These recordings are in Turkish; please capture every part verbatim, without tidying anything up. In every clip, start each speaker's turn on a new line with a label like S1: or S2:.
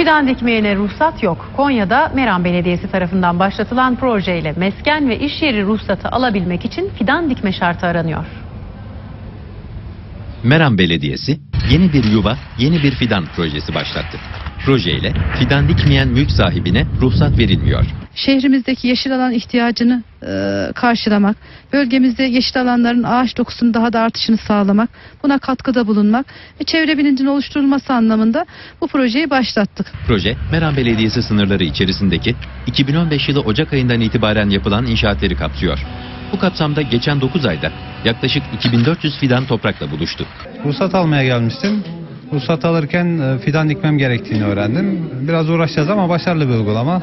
S1: Fidan dikmeyene ruhsat yok. Konya'da Meram Belediyesi tarafından başlatılan projeyle mesken ve iş yeri ruhsatı alabilmek için fidan dikme şartı aranıyor.
S2: Meram Belediyesi yeni bir yuva, yeni bir fidan projesi başlattı. Projeyle fidan dikmeyen mülk sahibine ruhsat verilmiyor.
S3: Şehrimizdeki yeşil alan ihtiyacını e, karşılamak, bölgemizde yeşil alanların ağaç dokusunun daha da artışını sağlamak, buna katkıda bulunmak ve çevre bilincinin oluşturulması anlamında bu projeyi başlattık.
S2: Proje, Meram Belediyesi sınırları içerisindeki iki bin on beş yılı Ocak ayından itibaren yapılan inşaatları kapsıyor. Bu kapsamda geçen dokuz ayda yaklaşık iki bin dört yüz fidan toprakla buluştu.
S4: Ruhsat almaya gelmiştim. Ruhsat alırken fidan dikmem gerektiğini öğrendim. Biraz uğraşacağız ama başarılı bir uygulama.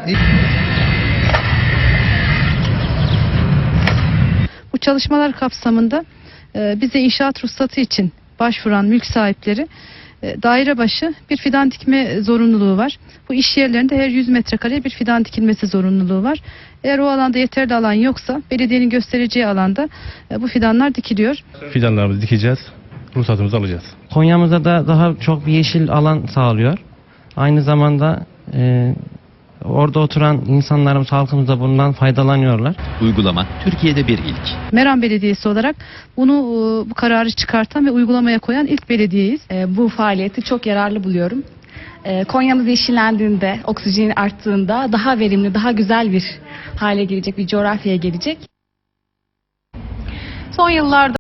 S3: Bu çalışmalar kapsamında e, bize inşaat ruhsatı için başvuran mülk sahipleri e, daire başı bir fidan dikme zorunluluğu var. Bu iş yerlerinde her yüz metrekareye bir fidan dikilmesi zorunluluğu var. Eğer o alanda yeterli alan yoksa belediyenin göstereceği alanda e, bu fidanlar dikiliyor.
S5: Fidanlarımızı dikeceğiz, ruhsatımızı alacağız.
S6: Konya'mıza da daha çok bir yeşil alan sağlıyor. Aynı zamanda e, orada oturan insanlarımız, halkımız da bundan faydalanıyorlar.
S2: Uygulama Türkiye'de bir ilk.
S3: Meram Belediyesi olarak bunu e, bu kararı çıkartan ve uygulamaya koyan ilk belediyeyiz.
S7: E, bu faaliyeti çok yararlı buluyorum. E, Konya'mız yeşillendiğinde, oksijenin arttığında daha verimli, daha güzel bir hale gelecek, bir coğrafyaya gelecek.
S1: Son yıllarda